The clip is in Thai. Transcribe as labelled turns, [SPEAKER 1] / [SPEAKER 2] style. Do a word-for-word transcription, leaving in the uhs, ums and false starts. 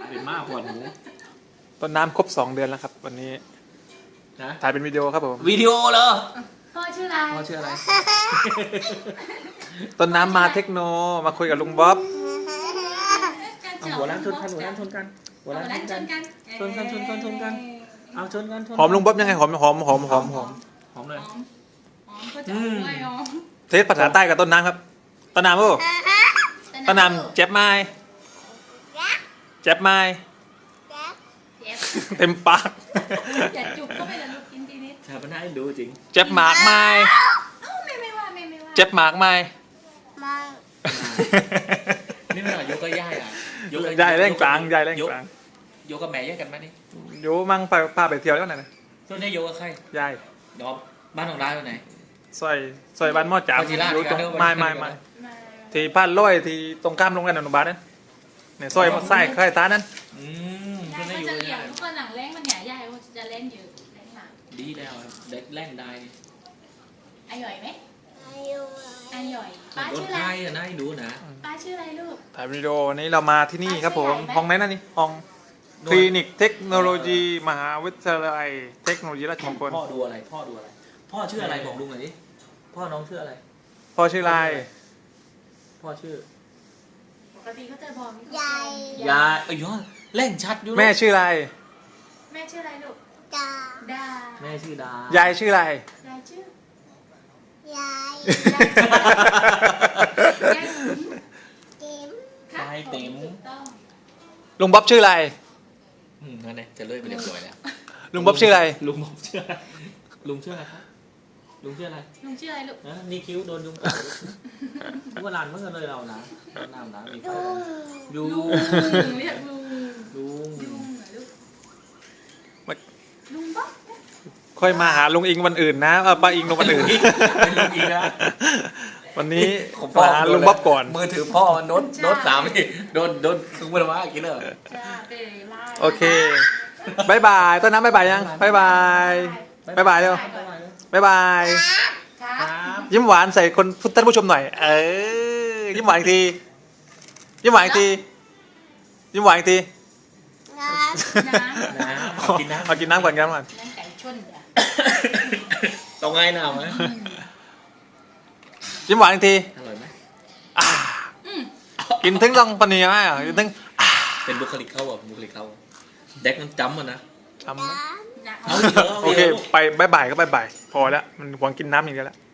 [SPEAKER 1] เป็นมากกว่าหนู
[SPEAKER 2] ต้นน้ำครบสองเดือนแล้วครับวันนี้
[SPEAKER 1] นะ
[SPEAKER 2] ถ่ายเป็นวิดีโอครับผม
[SPEAKER 1] วิดีโอเหรอ
[SPEAKER 3] พ่อชื่ออะไร
[SPEAKER 1] พ่อชื่ออะไร
[SPEAKER 2] ต้นน้ำมาเทคโนมาคุยกับลุงบ๊อบ
[SPEAKER 1] เอาหัวล้านชนกันหัวล้านชนกันหัวล้านชนกัน ชนกันชนกันชนกัน เอาชนกันชนกัน
[SPEAKER 2] หอมลุงบ๊อบยังไงหอมหอมหอมหอมหอม
[SPEAKER 1] หอมเลย
[SPEAKER 3] หอมหอมก็จะเอาไว้หอม
[SPEAKER 2] เทสภาษาใต้กับต้นน้ำครับต้นน้ำโอ้ต้นน้ำเจ็บไม้เจ็บไม้
[SPEAKER 3] เจ็บ
[SPEAKER 2] เต็มปาก
[SPEAKER 3] อย่าจุกก็ไม่ละลูกกินทีนิด
[SPEAKER 1] ชาปนาให้ดูจริง
[SPEAKER 2] เจ็บหมากไม้
[SPEAKER 3] เอ้าไม่ไม่ว่าไม่ไม่ว่า
[SPEAKER 2] เจ็บหมากไม้
[SPEAKER 1] นี่มันยกก็ย่ายอ่ะ
[SPEAKER 2] ยายแรงกลางยายแรงกลาง
[SPEAKER 1] ยกกับแม่แยกกันไหมนี่
[SPEAKER 2] โยมั่งไปพาไปเที่ยวแล้วไหนนะ
[SPEAKER 1] ส่วนนี้ยกกับใคร
[SPEAKER 2] ยาย
[SPEAKER 1] ดอมบ้านของร้านอยู่ไหน
[SPEAKER 2] ซอยซอยบ้านหม้อจ่า
[SPEAKER 1] ปฏิราช
[SPEAKER 2] อยู่ตรง
[SPEAKER 1] กันเนอะ
[SPEAKER 2] ไม่ไม่ไม่
[SPEAKER 3] ไม่
[SPEAKER 2] ที่พานร้อยที่ตรงข้ามโรงเรียนอนุบาลนั่นเนี่ยซอยไส้ค่ายตานั้น
[SPEAKER 1] อืม
[SPEAKER 3] ยา
[SPEAKER 1] ส่วย น
[SPEAKER 3] ก็
[SPEAKER 1] นี้อยู่
[SPEAKER 3] จะเลี้ย
[SPEAKER 1] ย่าง
[SPEAKER 3] ทุกคนหลังแรงมันเนี่ยยายก็จะเล่นอยู่เล่นหลัง
[SPEAKER 1] ดีแล้วเด็กแรงได้
[SPEAKER 3] อร่อยไหมอร่อยป้า
[SPEAKER 1] โดน
[SPEAKER 3] ชื่ออะไร
[SPEAKER 1] ไล่อะนะให้ดูนะ
[SPEAKER 3] ป้าชื่ออะไรลูก
[SPEAKER 2] ถ่ายวิดีโอวันนี้เรามาที่นี่ครับผม
[SPEAKER 3] ใหญ่ไหม
[SPEAKER 2] ห้องไหนนั่นนี่ห้องคลินิกเทคโนโลยีมหาวิทยาลัยเทคโนโลยีราชมงคล
[SPEAKER 1] พ่อดูอะไร พ่อดูอะไร พ่อชื่ออะไรบอกลุงหน่อยดิ พ่อน้องชื่ออะไร
[SPEAKER 2] พ่อชื่ออะไร
[SPEAKER 1] พ่อชื่อ
[SPEAKER 3] ปกติเขาจะบอก
[SPEAKER 4] ยาย
[SPEAKER 1] ยายเอ้ยยอดเล่นชัดอยู่
[SPEAKER 2] แม่ชื่ออะไร
[SPEAKER 3] แม่ชื่ออะไรลูก
[SPEAKER 4] ตา
[SPEAKER 3] ดา
[SPEAKER 1] แม่ชื่อดาย
[SPEAKER 2] ายชื่ออะไร
[SPEAKER 3] ยายชื่อย
[SPEAKER 4] าย
[SPEAKER 3] ยาย
[SPEAKER 4] ติ๋ม
[SPEAKER 3] ครับผมถูกต้อง
[SPEAKER 2] ลุงบ๊อบชื่ออะไร
[SPEAKER 1] อืมนั่นไงจะเลื่อยไปเรียบร้อยแล้ว
[SPEAKER 2] ลุงบ๊อบชื่ออะไร
[SPEAKER 1] ลุงบอกชื่ออะไร ลุงชื่ออะไรครับ ลุงชื่ออะไร
[SPEAKER 3] ลุงชื่ออะไรลูก
[SPEAKER 1] นะนี่คิ้วโดนยุงกัดทุกวันลานเมื่อกันเลยเรานะน้ำนะมีไฟ
[SPEAKER 4] ลุ
[SPEAKER 1] ยุ
[SPEAKER 4] ง
[SPEAKER 1] ง
[SPEAKER 3] ลุงเรียกลุง
[SPEAKER 1] ลุง
[SPEAKER 3] ลุงเหรอลูก
[SPEAKER 2] ไม่
[SPEAKER 3] ลุงบ๊อบ
[SPEAKER 2] ค่อยมาหาลุงอิงวันอื่นนะเออป้าอิงลงวันอื่น
[SPEAKER 1] เป็นลุงอีกนะ
[SPEAKER 2] วันนี้มาหาลุงบ๊อบก่อน
[SPEAKER 1] มือถือพ่อโน้ตโน้ตสามนี่โดนโดนคือมันว่ากินเลย
[SPEAKER 3] จ้าเบลล่า
[SPEAKER 2] โอเคบายบายต้นน้ำบายบายยังบายบายบายบายเร็วบายบาย
[SPEAKER 3] ครั
[SPEAKER 1] ครับ บ
[SPEAKER 2] ยิ้มหวานใส่คนท่านผู้ชมหน่อย เออยิ้มหวานอีกทียิ้มหวานอีกทียิ้มหวานอีกที
[SPEAKER 4] น้
[SPEAKER 3] น้ำ
[SPEAKER 1] น้ำกินน้ำ
[SPEAKER 2] เอากินน้ำก่อนกินน้ำก่อน
[SPEAKER 3] นั่นไก่ชนเดี๋ยว
[SPEAKER 1] ต้องไงหนาวไหม
[SPEAKER 2] ยิ้มหวานอีกที
[SPEAKER 1] อร่อยไหม
[SPEAKER 2] อ่ากินถึงต้องปนีไหมอ่ะกินถึงอ่า
[SPEAKER 1] เป็นบุคลิกเขาอ่ะบุคลิกเขาเด็กมันจำมันนะ
[SPEAKER 2] ทำ
[SPEAKER 4] ำ
[SPEAKER 3] น้ำ
[SPEAKER 1] เอาเยอะ
[SPEAKER 2] โอเคไปบายบายก็บายบายพอแล้วมันหวังกินน้ำอย่างเดียวแล้ว